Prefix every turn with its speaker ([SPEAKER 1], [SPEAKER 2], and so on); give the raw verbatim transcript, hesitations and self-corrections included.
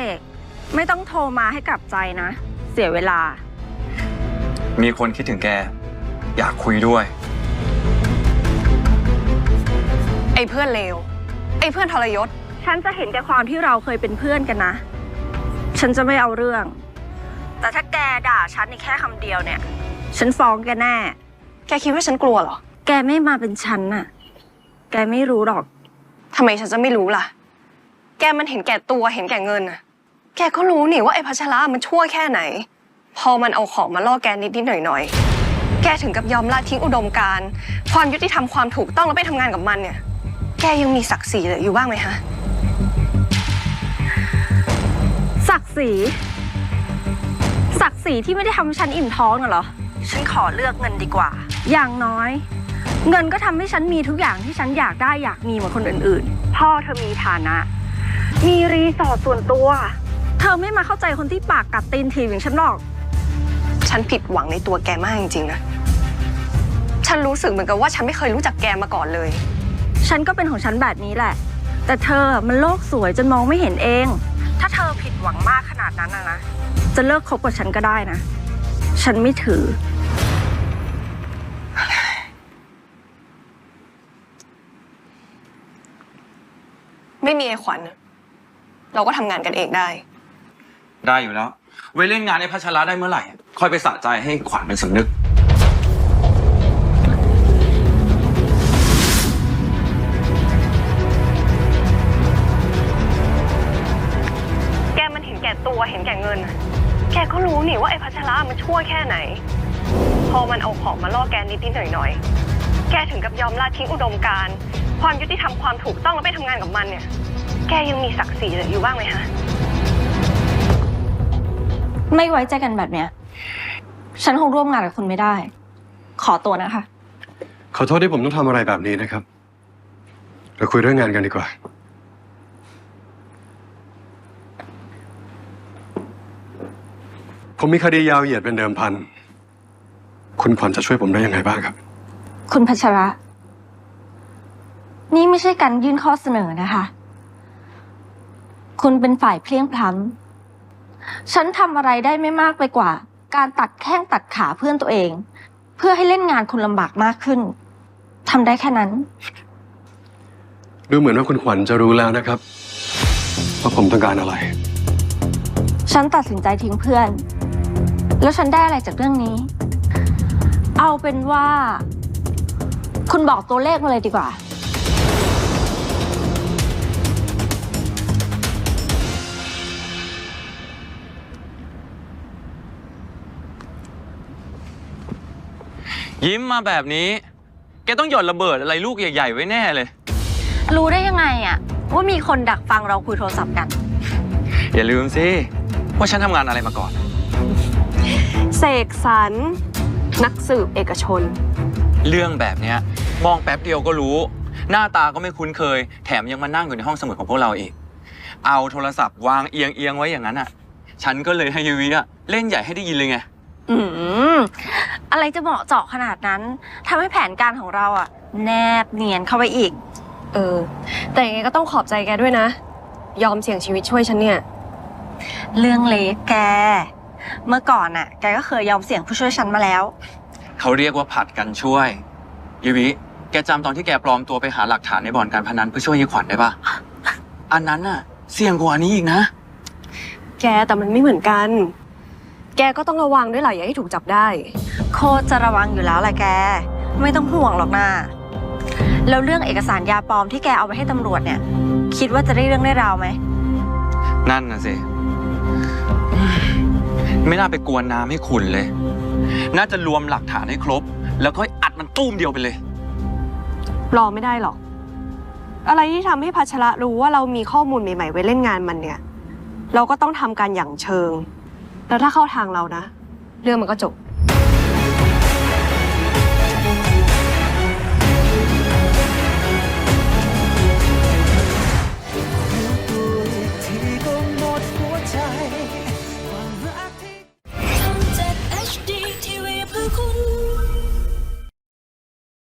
[SPEAKER 1] กไม่ต้องโทรมาให้กลับใจนะเสียเวลา
[SPEAKER 2] มีคนคิดถึงแกอยากคุยด้วย
[SPEAKER 3] ไอ้เพื่อนเลวไอ้เพื่อนทรยศ
[SPEAKER 1] ฉันจะเห็นแก่ความที่เราเคยเป็นเพื่อนกันนะฉันจะไม่เอาเรื่องแต่ถ้าแกด่าฉันในแค่คำเดียวเนี่ยฉันฟ้องแกแน่
[SPEAKER 3] แกคิดว่าฉันกลัวเหรอ
[SPEAKER 1] แกไม่มาเป็นฉันน่ะแกไม่รู้หรอก
[SPEAKER 3] ทำไมฉันจะไม่รู้ล่ะแกมันเห็นแก่ตัวเห็นแก่เงินน่ะแกก็รู้นี่ว่าไอ้พัชระมันชั่วแค่ไหนพอมันเอาของมาล่อแกนิดนิดหน่อยหน่อยแกถึงกับยอมละทิ้งอุดมการณ์ความยุติธรรมความถูกต้องแล้วไปทำงานกับมันเนี่ยแกยังมีศักดิ์ศรีเหลืออยู่บ้างไหมฮะ
[SPEAKER 1] ศักดิ์ศรีศักดิ์ศรีที่ไม่ได้ทำให้ฉันอิ่มท้องน่ะเหรอฉันขอเลือกเงินดีกว่าอย่างน้อยเงินก็ทำให้ฉันมีทุกอย่างที่ฉันอยากได้อยากมีเหมือนคนอื่นๆพ่อเธอมีฐานะมีรีสอร์ทส่วนตัวเธอไม่มาเข้าใจคนที่ปากกัดตีนถีบอย่างฉันหรอก
[SPEAKER 3] ฉันผิดหวังในตัวแกมากจริงๆนะฉันรู้สึกเหมือนกับว่าฉันไม่เคยรู้จักแกมาก่อนเลย
[SPEAKER 1] ฉันก็เป็นของฉันแบบนี้แหละแต่เธอมันโลกสวยจนมองไม่เห็นเองถ้าเธอผิดหวังมากขนาดนั้นนะนะจะเลิกคบกับฉันก็ได้นะฉันไม่ถือ
[SPEAKER 3] ไม่มีไอ้ขวัญเราก็ทำงานกันเองได้
[SPEAKER 2] ได้อยู่แล้วไว้เล่นงานในพัชระได้เมื่อไหร่ค่อยไปสะใจให้ขวัญเป็นสำนึก
[SPEAKER 3] แกมันเห็นแก่ตัวเห็นแก่เงินแกก็รู้นี่ว่าไอ้พัชระมันชั่วแค่ไหนพอมันเอาของมาล่อแกนิดนิดหน่อยหน่อยแกถึงกับยอมละทิ้งอุดมการณ์ความยุติธรรมความถูกต้องแล้วไปทำงานกับมันเนี่ยแกยังมีศักดิ์ศรีเหลืออยู่บ้างไหมฮะ
[SPEAKER 1] ไม่ไว้ใจกันแบบเนี้ยฉันคงร่วมงานกับคุณไม่ได้ขอตัวนะคะ
[SPEAKER 4] ขอโทษที่ผมต้องทำอะไรแบบนี้นะครับเราคุยเรื่องงานกันดีกว่าผมมีคดียาวเหยียดเป็นเดิมพันคุณขวัญจะช่วยผมได้ยังไงบ้างครับ
[SPEAKER 1] คุณพัชระนี่ไม่ใช่การยื่นข้อเสนอนะคะคุณเป็นฝ่ายเพลียงพล้ำฉันทำอะไรได้ไม่มากไปกว่าการตัดแข้งตัดขาเพื่อนตัวเองเพื่อให้เล่นงานคุณลำบากมากขึ้นทำได้แค่นั้น
[SPEAKER 4] ดูเหมือนว่าคุณขวัญจะรู้แล้วนะครับว่าผมต้องการอะไร
[SPEAKER 1] ฉันตัดสินใจทิ้งเพื่อนแล้วฉันได้อะไรจากเรื่องนี้เอาเป็นว่าคุณบอกตัวเลขมาเลยดีกว่า
[SPEAKER 2] ยิ้มมาแบบนี้แกต้องหย่อนระเบิดอะไรลูกใหญ่ๆไว้แน่เลย
[SPEAKER 1] รู้ได้ยังไงอะว่ามีคนดักฟังเราคุยโทรศัพท์กัน
[SPEAKER 2] อย่าลืมสิว่าฉันทำงานอะไรมาก่อน
[SPEAKER 3] เสกสรรนักสืบเอกชน
[SPEAKER 2] เรื่องแบบนี้มองแป๊บเดียวก็รู้หน้าตาก็ไม่คุ้นเคยแถมยังมานั่งอยู่ในห้องสมุดของพวกเราอีกเอาโทรศัพท์วางเอียงเอียงไว้อย่างนั้นอ่ะฉันก็เลยให้ยูวิอ่ะเล่นใหญ่ให้ได้ยินเลยไง
[SPEAKER 1] อืมอะไรจะเหมาะเจาะขนาดนั้นทำให้แผนการของเราอ่ะแนบเนียนเข้าไปอีก
[SPEAKER 3] เออแต่ยังไงก็ต้องขอบใจแกด้วยนะยอมเสี่ยงชีวิตช่วยฉันเนี่ย
[SPEAKER 1] เรื่องเล็กแกเมื่อก่อนน่ะแกก็เคยยอมเสี่ยงผู้ช่วยฉันมาแล้ว
[SPEAKER 2] เขาเรียกว่าผัดกันช่วยยูวิแกจำตอนที่แกปลอมตัวไปหาหลักฐานในบ่อนการพนันเพื่อช่วยยายขวัญได้ปะอันนั้นน่ะเสี่ยงกว่านี้อีกนะ
[SPEAKER 3] แกแต่มันไม่เหมือนกันแกก็ต้องระวังด้วยหลายอย่าให้ถูกจับได้
[SPEAKER 1] โคตรจะระวังอยู่แล้วแหละแกไม่ต้องห่วงหรอกนะแล้วเรื่องเอกสารยาปลอมที่แกเอาไปให้ตำรวจเนี่ยคิดว่าจะได้เรื่องได้ราวไหม
[SPEAKER 2] นั่นน่ะสิไม่น่าไปกวนน้ำให้ขุ่นเลยน่าจะรวมหลักฐานให้ครบแล้วก็อัดมันตุ้มเดียวไปเลย
[SPEAKER 3] รอไม่ได้หรอกอะไรที่ทำให้พัชระรู้ว่าเรามีข้อมูลใหม่ๆไว้เล่นงานมันเนี่ยเราก็ต้องทำการอย่างเชิงแล้วถ้าเข้าทางเรานะเรื่องมันก็จบ